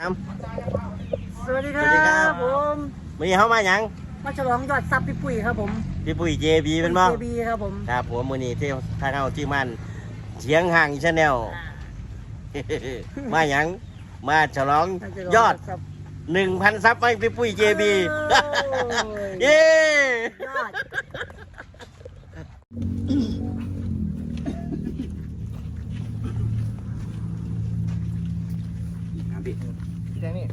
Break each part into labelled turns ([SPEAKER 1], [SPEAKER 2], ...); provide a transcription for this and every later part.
[SPEAKER 1] สวัสดีครับผม
[SPEAKER 2] วันนี้เขามาหยัง
[SPEAKER 1] มาฉลองยอดซับพี่ปุ้ยครับผม
[SPEAKER 2] พี่ปุ้ย JB เป็นบ้าง
[SPEAKER 1] JB ครับผม
[SPEAKER 2] ครับผมวันนี้ที่ทางเอาที่มันเสียงห่างชาแนลมาหยังมาฉลองยอด 1,000 ซับให้พี่ปุ้ย JB เย้
[SPEAKER 1] ยอด
[SPEAKER 3] พี่แค่นี้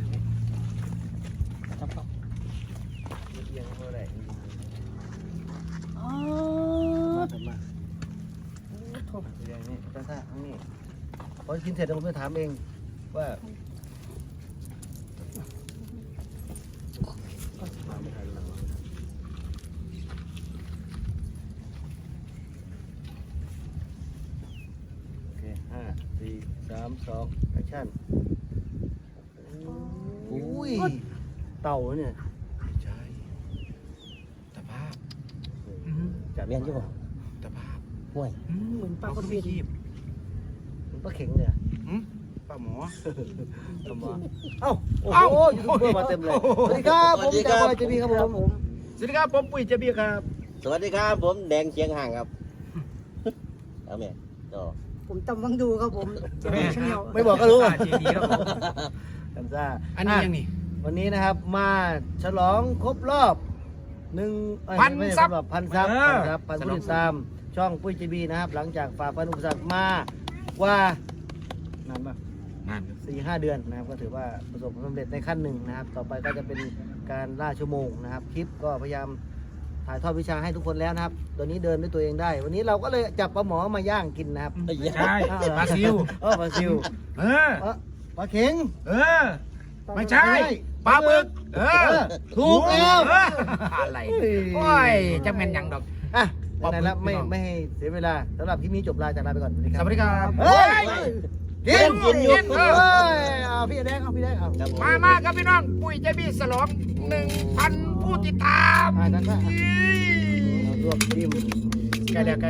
[SPEAKER 3] พอกินเสร็จผมจะถามเองว่าโอเค5 4 3 2แอคชั่นอุ้ยเต่าเนี่ยใช่ตะภาพจะเมียนใช่ป่ะตะภาพห่วย
[SPEAKER 1] เหมือนปลาคนบิน
[SPEAKER 3] มันปลาเข็งเนี่ยปลาหมอเอ้าโอ้โหยูทูบเบอร์มาเต็มเลยสวัสดีครับผมจ่าบอยเจบีครับผมสวัสดีครับผมปุ้ยเจบีครับ
[SPEAKER 2] สวัสดีครับผมแดงเชียงห่างครับเอาแม่ต่อ
[SPEAKER 1] ผมจำวังดูครับผม
[SPEAKER 3] ไม่บอกก็รู้อ่ะเจบีครับผมกันซ่าอันนี้ยังนี่วันนี้นะครับมาฉลองครบรอบ1,000 ซับพันผู้ติดตามช่องปุ้ยเจบีนะครับหลังจากฝ่าฟันอุปสรรคมากว่านานมาก4-5 เดือนนะครับก็ถือว่าประสบความสำเร็จในขั้นหนึ่งนะครับต่อไปก็จะเป็นการล่าชั่วโมงนะครับคลิปก็พยายามถ่ายทอดวิชาให้ทุกคนแล้วนะครับตอนนี้เดินด้วยตัวเองได้วันนี้เราก็เลยจับปลาหมอมาย่างกินนะครับ
[SPEAKER 4] ใช่ปลาซิว
[SPEAKER 3] ปลาซิวปลาเข็ง
[SPEAKER 4] ไม่ใช่ปลาบึก
[SPEAKER 3] ถูกแล้ว
[SPEAKER 4] อะไรโอ้ยจะเป็นยังดอก
[SPEAKER 3] อ่ะไหนแล้วไม่ให้เสียเวลาสำหรับคลิปนี้จบลาจากลาไปก่อน
[SPEAKER 4] สวัสดีครับ
[SPEAKER 3] เฮ้ยกินอยู่เอาพี่แดงเอา
[SPEAKER 4] มาครับพี่น้องปุ้ยเจบีฉลอง 1,000 ผู้ติดตาม
[SPEAKER 3] รวบทีม
[SPEAKER 4] ใกล้แล้ว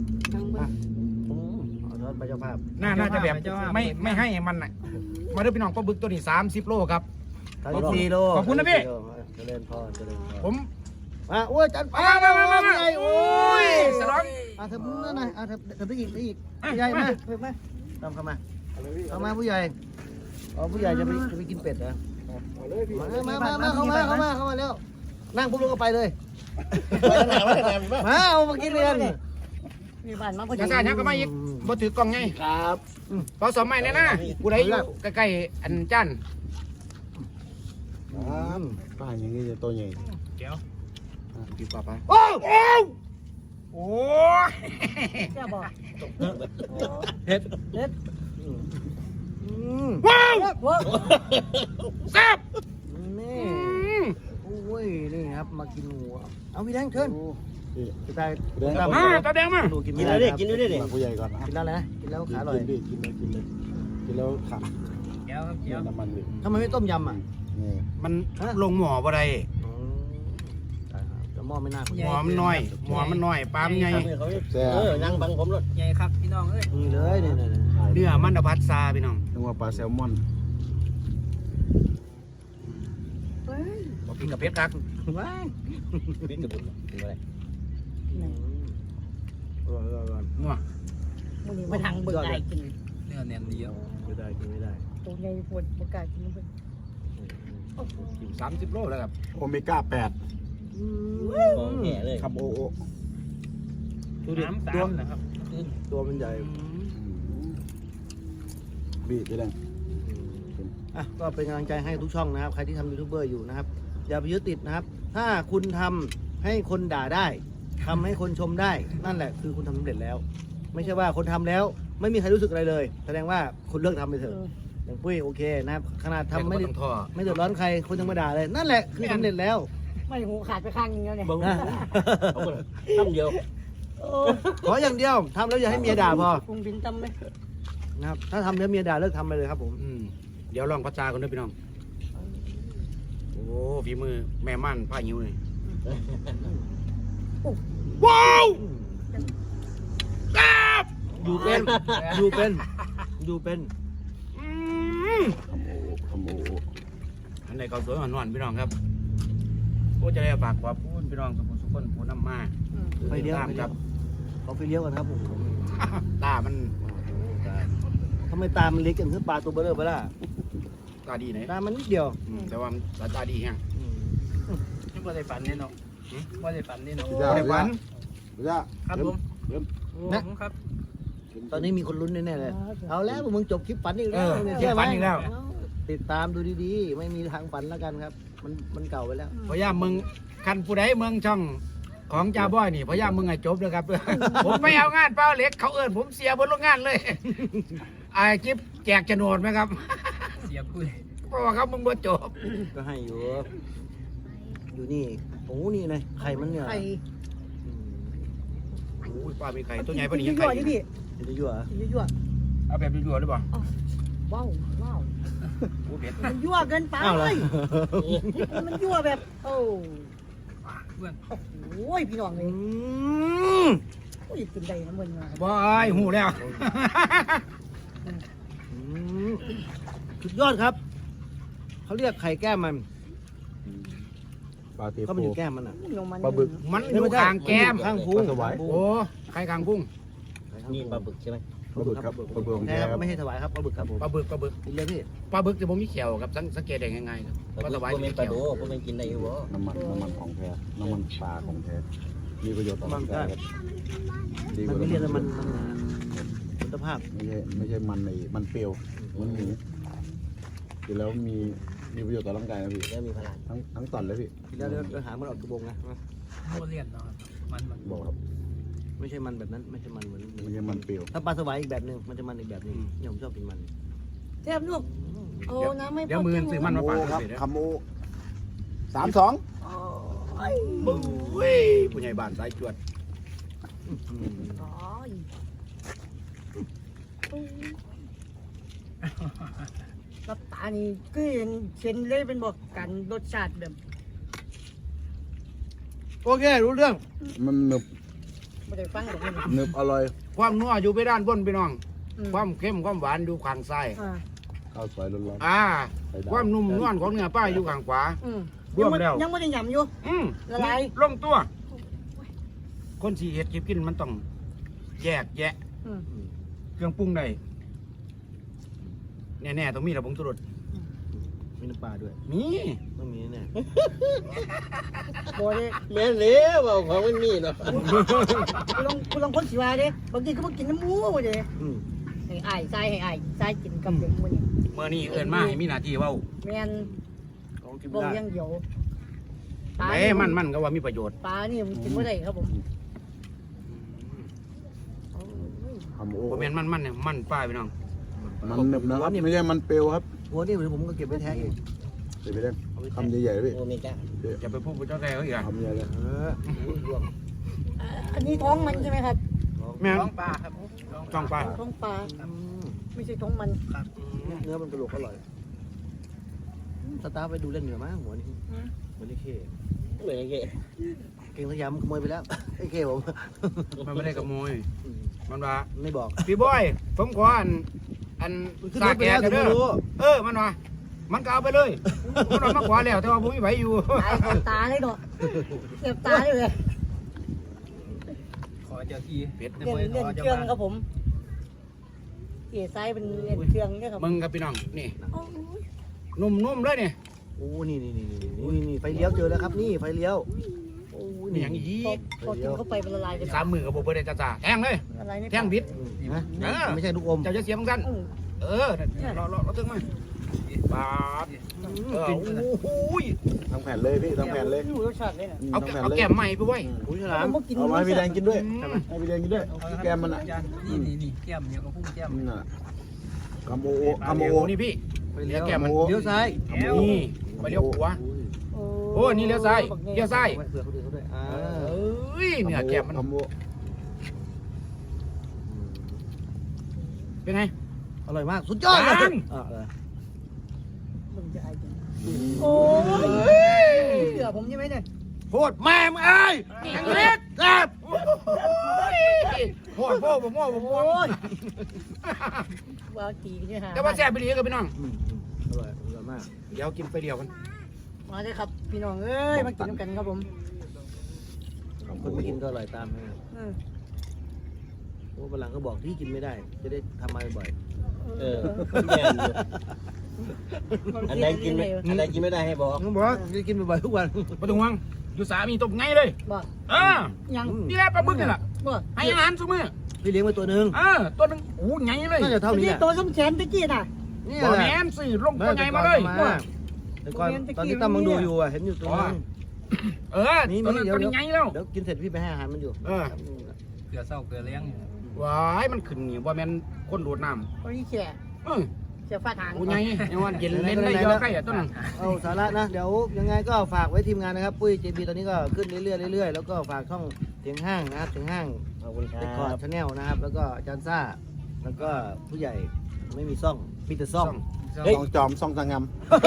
[SPEAKER 3] รถไปเจ้าภาพ
[SPEAKER 4] น่าจะแบบไม่ให้มันน่ะมาด้วยพี่น้องปลาบึกตัวนี้30 โลครับ
[SPEAKER 3] 34 โล
[SPEAKER 4] ขอบคุณนะพี่
[SPEAKER 3] เจริญพร
[SPEAKER 4] ผม
[SPEAKER 3] มาโอ้ยจันปาไงโอ้ย
[SPEAKER 4] ฉลอง
[SPEAKER 3] เธอนั่นไงเธอไปอีกใหญ่มาตามเข้ามาผู้ใหญ่ผู้ใหญ่จะไปกินเป็ดเหรอมาเข้ามาเร็วนั่งปุ๊บลงก็ไปเลยมาเอามากินเลย
[SPEAKER 1] มีบ้านมาพอดี
[SPEAKER 4] จะสั่งยังก็มาอีกบ่ถือกล่องไง
[SPEAKER 3] ครับ
[SPEAKER 4] พอสมัยนี่นะกูได้อยู่ใกล้ๆอันจัน
[SPEAKER 3] ป้าอย่างนี้จะตัวใหญ่
[SPEAKER 4] เดี๋ยว
[SPEAKER 3] กินปลาไป
[SPEAKER 4] โอ้
[SPEAKER 1] แค่บอก
[SPEAKER 3] เฮ็ด
[SPEAKER 4] ว้าวแซ่บ
[SPEAKER 3] นี่โอ้ยนี่ครับมากินหัวเอาพี่แดงเชิญพี่ตาย
[SPEAKER 4] มาตาแดงมา
[SPEAKER 3] กินด้วยดิ
[SPEAKER 2] ผู้ใหญ่ก่อน
[SPEAKER 3] กินแล้วนะกินแล้วขาอร่อย
[SPEAKER 2] กินแล้วขา
[SPEAKER 4] เดี๋ยว
[SPEAKER 2] น้ำมันดิ
[SPEAKER 3] ทำไมไม่ต้มยำอ่ะ
[SPEAKER 4] มันลงหม้อบ่ได้
[SPEAKER 3] หม้อไม่น่า
[SPEAKER 4] หม้อมันน้อยปลามันใหญ่
[SPEAKER 2] นั่งบังผมรถ
[SPEAKER 4] ใหญ่ครับพี่น้องเอ้ย
[SPEAKER 3] นี่เลยเ
[SPEAKER 4] นื้อมันพัดซาพี่น้อง
[SPEAKER 2] นึกว่าปลาแซลมอน
[SPEAKER 4] บอกกินกับเพชรกัก
[SPEAKER 2] ปิ้งกระบุนกินอะไร
[SPEAKER 4] นัว
[SPEAKER 1] มึงนี่มาทางเบิกได้กิน
[SPEAKER 4] เนื้อแน่นเดียว
[SPEAKER 3] ไม่ได้
[SPEAKER 1] ตัวใหญ่ปวดประกาศกินมัน
[SPEAKER 4] อยู่30 โลแล้วครับ
[SPEAKER 2] โอเมก้า8แง่เลยครับโอ
[SPEAKER 3] ดูดิตัวมันใหญ่
[SPEAKER 2] บีบเลย
[SPEAKER 3] ก็เป็นกำลังใจให้ทุกช่องนะครับใครที่ทำยูทูบเบอร์อยู่นะครับอย่าไปยึดติดนะครับถ้าคุณทำให้คนด่าได้ทำให้คนชมได้นั่นแหละคือคุณทำสำเร็จแล้วไม่ใช่ว่าคนทำแล้วไม่มีใครรู้สึกอะไรเลยแสดงว่าคุณเลิกทำไปเถอะอย่างปุ้ยโอเคนะครับขนาดทำไม่เดือดร้อนใครคนยังมาด่าเลยนั่นแหละคือสำเร็จแล้ว
[SPEAKER 1] ไม่หูขาดไปข้างนึงแล้วเนี่ย
[SPEAKER 2] ทำเดียว
[SPEAKER 3] ขออย่างเดียวทำแล้วอย่าให้เมียด่าพอ
[SPEAKER 1] คงบินจำไหม
[SPEAKER 3] นะครับถ้าทำแล้วเมียด่าเลิกทำไปเลยครับผม
[SPEAKER 4] เดี๋ยวลองพัชชากันด้วยพี่น้องโอ้ฝีมือแม่ม่านผ้าหิวเลยว้าว
[SPEAKER 3] อยู่เป็น
[SPEAKER 4] ในข้าวสวยหวานๆพี่น้องครับโอ้จะได้ฝากขอบคุณพี่น้องทุกคนผู้นำมา
[SPEAKER 3] ไฟเลี้ยว
[SPEAKER 4] ตามครับ
[SPEAKER 3] เขาไฟเลี้ยวกันครับผม
[SPEAKER 4] ตามัน
[SPEAKER 3] ทำไมตามันเล็กอย่างคือปลาตัวเบลอไปล่ะ
[SPEAKER 4] ตาดีไหน
[SPEAKER 3] ตามันนิดเดียว
[SPEAKER 4] แต่ว่าสายตาดีแฮง
[SPEAKER 1] นี่บ่ได้ฝันนี่เนาะบ่ได้ฝันนี่เนาะ
[SPEAKER 4] ไต้หวัน
[SPEAKER 1] ครับผม
[SPEAKER 3] นะครับ ตอนนี้มีคนลุ้นแน่ๆเลยเอาแล้วมึงจบคลิปฝันอีก
[SPEAKER 4] เอ
[SPEAKER 3] แล้ว
[SPEAKER 4] อ
[SPEAKER 3] เนี่ย
[SPEAKER 4] เจ็บฟันอีกแล้ว
[SPEAKER 3] ติดตามดูดีๆ ไม่มีทางฝันแล้วกันครับ มันเก่าไปแล้ว
[SPEAKER 4] พยายามมึงคันผู้ใดเมืองช่องของจ่าบอยนี่พยายามมึงให้จบเลยครับ ผมไม่เอางานเป้าเหล็กเขาเอิ้นผมเสียบนโรงงานเลยไอ้จิ๊บแจกโฉนดไหมครับ
[SPEAKER 1] เสียคุย
[SPEAKER 4] เพราะว่าเขามึงบ่จบ
[SPEAKER 3] ก็ให้อยู่ อยู่นี่โอ้นี่ไงไข่มันเนี่ย
[SPEAKER 1] ไข่
[SPEAKER 4] โอ้ยป้ามีไข่ตัวใหญ่ปะนี่
[SPEAKER 1] ยั่
[SPEAKER 4] ยัง
[SPEAKER 1] ว
[SPEAKER 4] ไข่
[SPEAKER 1] ๆนี่พี่
[SPEAKER 3] มันจะยั่วเหรอ
[SPEAKER 1] ยั่ว
[SPEAKER 4] เอาแบบยั่วๆหรือเปล่า
[SPEAKER 1] ๆว้าวว้าว
[SPEAKER 4] โอ้เผ็ด
[SPEAKER 1] มันยั่วเกินไป
[SPEAKER 3] อ้าวเหรอ
[SPEAKER 1] มันยั่วแบบโอ้โอ้ยพี่น้องเลยโอ้ยกินได้นะมึงมา
[SPEAKER 4] บอยหูแล้ว
[SPEAKER 3] อืมสุดยอดครับ เขาเรียกไข่แก้มมัน
[SPEAKER 5] ปลาเท
[SPEAKER 3] เขา
[SPEAKER 5] โพ
[SPEAKER 3] มันอยู่แก้มมันอ่ะ
[SPEAKER 1] ลงมัน
[SPEAKER 5] ปลาบึก
[SPEAKER 4] มันอยู่ข้างแก้ม
[SPEAKER 3] ข้างพุง
[SPEAKER 5] ปลาสวาย
[SPEAKER 4] โอ้ไข่ข้างกุ้ง
[SPEAKER 2] นี่ปลาบึกใช่ไหม
[SPEAKER 5] ปลาบึกครับปลาบึกของ
[SPEAKER 3] แท้
[SPEAKER 5] แท้
[SPEAKER 3] ค
[SPEAKER 5] ค
[SPEAKER 3] รั
[SPEAKER 5] รั
[SPEAKER 3] บบ ไม่ใช่ถวายครับปลาบึกครับผม
[SPEAKER 4] ปลาบึกปลาบึก
[SPEAKER 3] กินเลยพี่
[SPEAKER 4] ปลาบึกจะบ่มีเขียวครับสังเกตได้ง่ายๆครับปลาสวาย
[SPEAKER 2] พวก
[SPEAKER 4] มี
[SPEAKER 2] เป็นปลา
[SPEAKER 4] เขียว
[SPEAKER 2] โดพวกเป็นกินได้อยู่บ่
[SPEAKER 5] น้ำมันของแท้น้ำมันปลาของแท้มีประโยชน์ต่อร่างกายครับดีก
[SPEAKER 3] มัน
[SPEAKER 5] ว่า
[SPEAKER 3] ไม่เรียกว่ามันคุณภาพ
[SPEAKER 5] ไม่ใช่มันในมันเปรี้ยวมันหมูกินแล้วมีประโยชน์ต่อร่างกายนะพี่
[SPEAKER 2] แล้วมีพลัง
[SPEAKER 5] ทั้งตอนเลยพี่
[SPEAKER 3] กินแล้วเดี๋ยวหามันออกกระบงนะ
[SPEAKER 1] โมเลียนเนาะมัน
[SPEAKER 5] บอกครับ
[SPEAKER 3] ไม่ใช่มันแบบนั้น ไม่ใช่มันเหมือน
[SPEAKER 5] ไม่ใช่มันเปรี้ยว
[SPEAKER 3] ถ้าปลาสวายอีกแบบหนึงมันจะมันอีกแบบหนึงเนี่ยผมชอบกินมัน
[SPEAKER 1] แซ่บลูกโอ้น้ำไม่
[SPEAKER 4] เดี๋ยวมือซื้อมันมาฝาก
[SPEAKER 5] ครับ
[SPEAKER 4] สิเด้อ
[SPEAKER 5] คำโอ32
[SPEAKER 4] เว้ยผู้ใหญ่บ้านสายจวด
[SPEAKER 1] รับตานี่ก็เห็นเช่นเลยเป็นบอกกันรสชาติแบบ
[SPEAKER 3] โอเครู้เรื่อง
[SPEAKER 5] มันหนึบ
[SPEAKER 1] ไม่ได้ฟังหรอกมัน
[SPEAKER 5] หนึบอร่อย
[SPEAKER 4] ความนัวอยู่ไปด้านบนพี่น้อง ความเข้มความหวานอยู่ข้างซ้าย
[SPEAKER 5] ข้าวสวยร้อน
[SPEAKER 4] อ่า
[SPEAKER 5] ๆไข่ดาว
[SPEAKER 4] ความนุ่มนวลของเนื้อป้าอยู่ข้างขวา ร
[SPEAKER 1] ยั
[SPEAKER 4] วมแล้ว
[SPEAKER 1] ยังไม่ได้หยำอยู่ ละลาย
[SPEAKER 4] ลงตัว คนสีเห็ดกินมันต้องแยกแยะ เครื่องปรุงได้แน่ๆต้องมีระบบสุรส
[SPEAKER 3] มีน้ำปลาด้วย
[SPEAKER 4] มี
[SPEAKER 3] ต้องมีแน่
[SPEAKER 1] โบเลย
[SPEAKER 2] แม่นเลยบอกของมันมีเนาะ
[SPEAKER 1] กูลองคนสิว่าเด้บางทีก็มากินน้ำหมูเด้
[SPEAKER 3] อืม
[SPEAKER 1] ให้อ้ายทรายกินกับเด็กมื้อนี้
[SPEAKER 4] เมื่อนี้เอิ้นมาให้มีหน้าที่เว้า
[SPEAKER 1] แม่น
[SPEAKER 3] ของกิน
[SPEAKER 1] บ่
[SPEAKER 3] ไม่ได้
[SPEAKER 1] ยังเดียว
[SPEAKER 4] ไอ้มันก็ว่ามีประโยชน์
[SPEAKER 1] ปลานี่มันกินบ่ได้ครับผม
[SPEAKER 5] คำโอ
[SPEAKER 4] บ่แม่นมันเนี่ยมันป้าพี่น้อง
[SPEAKER 5] มันหนึบนะครับไม่ใช่มันเปรี้ยวครับ
[SPEAKER 3] หัวนี่เดี๋ยวผมก็เก็บไว้แท้เอง
[SPEAKER 5] เดี๋ยวไปเล่นคำใหญ่ๆพี่
[SPEAKER 2] โอเมก้า
[SPEAKER 4] จะไปพูดกับเจ้าแก่เขาอีกอ่ะ
[SPEAKER 5] คำใหญ่เลย
[SPEAKER 3] รวม
[SPEAKER 1] อันนี้ท้องมันใช่ไหมครับ
[SPEAKER 4] แม่ง
[SPEAKER 1] ท้องปลาครับ
[SPEAKER 4] จ้องป้า
[SPEAKER 1] ท้องปลาไม่ใช่ท้องมัน
[SPEAKER 3] เนื้อมันกระโหลกอร่อยสตาร์ไปดูเล่นเหนือมั้งหัวนี่เหมือนไอ้เข้
[SPEAKER 2] เหมือนไง
[SPEAKER 3] เก่งสยามขโมยไปแล้ว ไอ้เข้ผม
[SPEAKER 4] มันไม่ได้ขโมย มันว่า
[SPEAKER 3] ไม่บอก
[SPEAKER 4] พี่บอยผมขออัน
[SPEAKER 3] ขึ้น
[SPEAKER 4] สาร
[SPEAKER 3] ถไป
[SPEAKER 4] แก่
[SPEAKER 3] แล้วถึง
[SPEAKER 4] เด้
[SPEAKER 3] ไม่
[SPEAKER 4] อ
[SPEAKER 3] รู้
[SPEAKER 4] มันว่ามันก็เอาไปเลยมันว่ามาขวาแล้วแต่ว่าผมไม่ไหวอยู่
[SPEAKER 1] ตายก่อนตาเลยเนาะเจ็บตาเลย
[SPEAKER 6] ขอเจ้าที่
[SPEAKER 4] เป็ด
[SPEAKER 1] เล่นเครื่องครับผมเอ๋ซ้ายเป็นเล่นเครื่องเนี่ยครับ
[SPEAKER 4] มึงกับพี่น้องนี่
[SPEAKER 1] โอ้ย
[SPEAKER 4] นุ่มๆเลยนี่
[SPEAKER 3] โอ้นี่ไฟเลี้ยวเจอแล้วครับนี่ไฟเลี้ยวโอ้
[SPEAKER 4] นี่อย่างนี้
[SPEAKER 1] พอกินเข้าไปมันละลายเลย
[SPEAKER 4] 3 มือกับผมได้จ้าแทงเลย
[SPEAKER 1] ละลายใน
[SPEAKER 4] แทงบิด
[SPEAKER 3] นะไม่ใช่ลูกอม
[SPEAKER 4] เจ้าจะเสียบางสั้นเราตึงมาปาดโอ้โห
[SPEAKER 5] ทั้งแผ่นเลยพี่ทั้งแผ่นเลย
[SPEAKER 1] อยู่รสชาติเลยนะ
[SPEAKER 4] เอา
[SPEAKER 5] ทั้งแผ่น
[SPEAKER 4] เอา
[SPEAKER 5] เลย
[SPEAKER 4] แก้มใหม่ไปไว้
[SPEAKER 3] อุ้ยฉลาม
[SPEAKER 1] ผมก็กิน
[SPEAKER 5] เอามาให้พี่แดงกินด้วยให้พี่แดงกินด้วยแก้มมันอ่ะ
[SPEAKER 6] นี่แก้มเดียวกับพุ่งแก้ม
[SPEAKER 5] นี่น่ะคำโอ
[SPEAKER 4] คำ
[SPEAKER 5] คำ
[SPEAKER 4] โอ
[SPEAKER 5] โอ
[SPEAKER 4] นี่พี่
[SPEAKER 3] ไฟเลี้ยว
[SPEAKER 4] แก้มมัน
[SPEAKER 3] เลี้ยวซ้าย
[SPEAKER 4] นี่ไปเลี้ยวขวาโอ้นี่เลี้ยวซ้ายเลี้ยวซ้าย
[SPEAKER 3] เผื่อเขาดูเขาด้วย
[SPEAKER 4] เอ้ยเนี่ยแก้มมัน
[SPEAKER 5] คำโอ
[SPEAKER 4] เป็นไง
[SPEAKER 3] อร่อยมากสุดยอดเลย
[SPEAKER 1] มึงจะไอ้จริงโอ้ยเสือผมใช่ไหมเนี่ย
[SPEAKER 4] โคตรแม่มึงเอ้ยแข็งเล็กแซ่บโคตรโคตรผมโคตรผม
[SPEAKER 1] โอ้ยว้าวตีกันเนี่ยฮะ
[SPEAKER 4] แต่ว่าแซ่บไปดีกับพี่น้อง
[SPEAKER 3] อร่อยมาก
[SPEAKER 4] เดี๋ยวกินไปเดียวกัน
[SPEAKER 1] มาเลยครับพี่น้องเอ้ยมากินน้ำกันครับผม
[SPEAKER 3] คนไม่กินก็อร่อยตามนะครับ
[SPEAKER 1] อืม
[SPEAKER 3] โอ้ฝรั่งก็บอกที่กินไม่ได้ จะได้ทำมาบ่อย
[SPEAKER 2] เออแม่นอยู่อันใดกินไม่ได้ให้บอก
[SPEAKER 3] ๆเขาบอกว่าจะกินบ่อยๆทุกวัน
[SPEAKER 4] ปะตุงวังอยู่สามีตบไงเลย
[SPEAKER 1] บอก ยัง
[SPEAKER 4] นี่แหละปลาบึกนี่แหละ
[SPEAKER 1] บอก
[SPEAKER 4] ให้อาหารซุมื้อ
[SPEAKER 3] พี่เลี้ยงไว้ตัวหนึ่ง
[SPEAKER 4] ตัวนึงโอ้ไงเลย
[SPEAKER 3] น่าจะเท่านี้
[SPEAKER 1] นี่
[SPEAKER 3] แหละ
[SPEAKER 1] ตัวส้มแขนตะกี้น่ะ
[SPEAKER 3] นี่
[SPEAKER 4] บ่
[SPEAKER 3] แหละ
[SPEAKER 4] แม่นสิลงตัวไงมาเลย
[SPEAKER 3] แต่ก่อนตอนที่ตั้มมังดูอยู่เห็นอยู่ตัวนึง
[SPEAKER 4] ตัวนั้นตัวนี้ไงแล้ว
[SPEAKER 3] เดี๋ยวกินเสร็จพี่ไปให้อาหารมันอยู่
[SPEAKER 6] เกลือเศร้าเกลือเลี้ยง
[SPEAKER 4] ว้ายมันขึ้นนี่บ่แม่นคนดูดน้
[SPEAKER 1] ตัวนี้แฉะ
[SPEAKER 4] ำ
[SPEAKER 1] แฉะฟ้าทาง
[SPEAKER 4] โอ้ไงยังว่าเย็นเล่นได้เยอะใกล้ตัวนั้น
[SPEAKER 3] เอาสาระนะ เดี๋ยวยังไงก็ฝากไว้ทีมงานนะครับ ปุ้ย JB ตอนนี้ก็ขึ้นเรื่อยๆแล้วก็ฝากช่องเสียงห้างนะครับเสียงห้าง
[SPEAKER 2] ขอบคุณค
[SPEAKER 3] เรคคอ
[SPEAKER 2] รั
[SPEAKER 3] ร์ด
[SPEAKER 2] บ
[SPEAKER 3] ชาแนลนะครับ แล้วก็อาจารย์ซ่า แล้วก็ผู้ใหญ่ไม่มีซ่องมีแต่ซ่อง
[SPEAKER 5] ต้องจอมซ่องสังงาม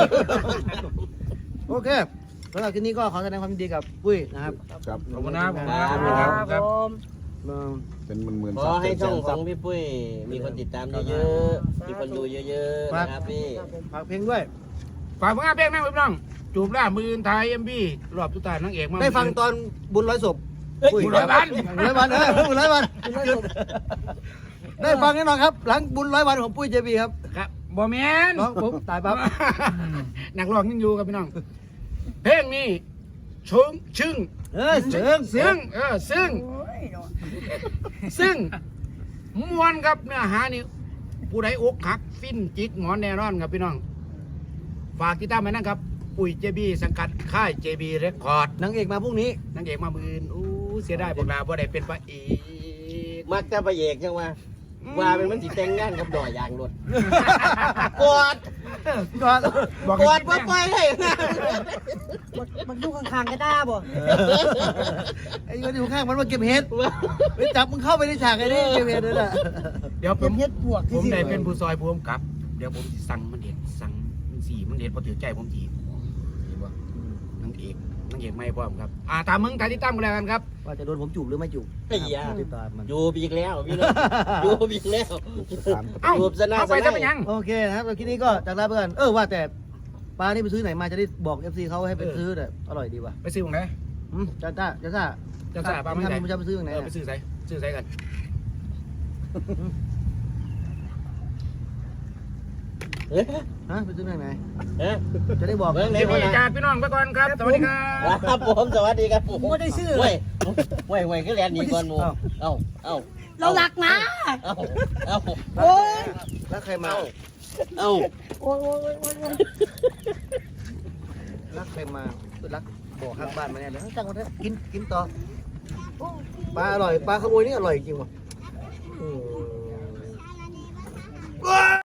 [SPEAKER 3] โอเคสำหรับคลิปนี้ก็ขอแสดงความยินดีกับปุ้ยนะครับ
[SPEAKER 5] ครับ
[SPEAKER 4] ขอบคุณนะครับ
[SPEAKER 1] ครับผม
[SPEAKER 5] เป็นหมื่น
[SPEAKER 2] ขอให้ช่องของพี่ปุ้ยมีคนติดตามเยอะๆมีคนดูเยอะๆนะครับพี่
[SPEAKER 3] ฝากเพลงด้วย
[SPEAKER 4] ฝากผลงานเพลงนั่งพี่น้องจูบล่ามือไทยMVรอบสุดท้ายนางเอกมา
[SPEAKER 3] ได้ฟังตอนบุญร้อยศพ
[SPEAKER 4] บุญร้อยวัน
[SPEAKER 3] บุญร้อยวันบุญร้อยวันได้ฟังแน่นอนครับ หลังบุญร้อยวันของปุ้ย JB ครับ
[SPEAKER 4] ครับบ่แม่น
[SPEAKER 3] น้องผมตายปั๊บ
[SPEAKER 4] นักร้องยังอยู่กับพี่น้องเพลงนี้ชงชึ่ง ซึ่ง
[SPEAKER 1] โอ้ยเนาะ
[SPEAKER 4] ซึ่งมวนครับเนื้อหานี่ผู้ใดอกหักฟินจิกหมอนแน่นอนครับพี่น้อง ฝากติดตามไว้นะครับ ปุ๋ย JB สังกัดค่าย JB Record
[SPEAKER 3] นางเอกมาพรุ่งนี้
[SPEAKER 4] นางเอกมามือนอู้เสียดายพวกเราบ่ได้เป็นพระเอก
[SPEAKER 2] มักจะประเอกจังว่าเป็นมันสิแต่งงานกับดอยยางรถกอด
[SPEAKER 3] ก่อน
[SPEAKER 4] บอก
[SPEAKER 2] กอดว่าปล่อยให้นะ
[SPEAKER 1] มันดูข้างๆก็ได้บ่
[SPEAKER 3] ไอ้คนอยู่ข้างมันมาเก็บเห็ดไปจับมึงเข้าไปในฉากไอ้นี่เก็บเห็ดเลยน่ะ
[SPEAKER 4] เดี๋ยวผ
[SPEAKER 1] เป็น
[SPEAKER 4] ม
[SPEAKER 1] เฮ็ดบวก
[SPEAKER 4] ผมได้เป็นผู้ซอยผู้กำกับ เดี๋ยวผมสิสั่งมันเด็ดสั่งมันสีมันเด็ดพอถือใจผมจีดีบ่นางเอกไม่พร้อมครับตามมึงตามที่ตั้มกันแล้วกันครับ
[SPEAKER 3] ว่าจะโดนผมจูบหรือไม่จูบ
[SPEAKER 2] ไอ้ยา
[SPEAKER 3] ติดตามมัน
[SPEAKER 2] อยู่อีกแล้วพี่น้องอยู่อีกแล้ว
[SPEAKER 4] เอ้า
[SPEAKER 2] รูปสนา
[SPEAKER 4] เอาไป
[SPEAKER 2] ส
[SPEAKER 4] จะ
[SPEAKER 2] นา
[SPEAKER 4] ไปยัง
[SPEAKER 3] โอเคนะครับแล้วคลิปนี้ก็จากลาไปก่อนว่าแต่ปลานี่ไปซื้อไหนมาจะได้บอก FC เขาให้ไปซื้อแต่อร่อยดีว่ะ
[SPEAKER 4] ไปซื้อตรงไหน
[SPEAKER 3] จ้าปลา
[SPEAKER 4] จะซื้อปลาไม่
[SPEAKER 3] ทำ
[SPEAKER 4] ใช่
[SPEAKER 3] มันจะไปซื้อตรงไหน
[SPEAKER 4] ไปซื้อใส่กัน
[SPEAKER 2] เฮ้ย
[SPEAKER 3] ฮะไปซื้อตรงไหน
[SPEAKER 2] เฮ้ย
[SPEAKER 3] จะได้บอก
[SPEAKER 2] เบิ่งไหน
[SPEAKER 4] เดี๋ยว
[SPEAKER 2] วะ
[SPEAKER 4] พี่
[SPEAKER 2] นะ
[SPEAKER 4] จากพี่น้องไปก่อนครับสวัสดีครับ
[SPEAKER 2] ครับผมสวัสดีครับผม
[SPEAKER 1] ไม่ได้ซื้อ
[SPEAKER 2] เว้ยคือแลนด์นี่ก่อนหมูเอ้า
[SPEAKER 1] เราหลักนะ
[SPEAKER 2] เอ้า
[SPEAKER 1] โอ้ย
[SPEAKER 3] แล้วใครมา
[SPEAKER 2] เอ้า
[SPEAKER 1] โอ้ย
[SPEAKER 3] รักใครมารักบอกข้างบ้านมาเนี่ยเดี๋ยวจังหวะนี้กินต่อปลาอร่อยปลาขโมยนี่อร่อยจริงว่ะ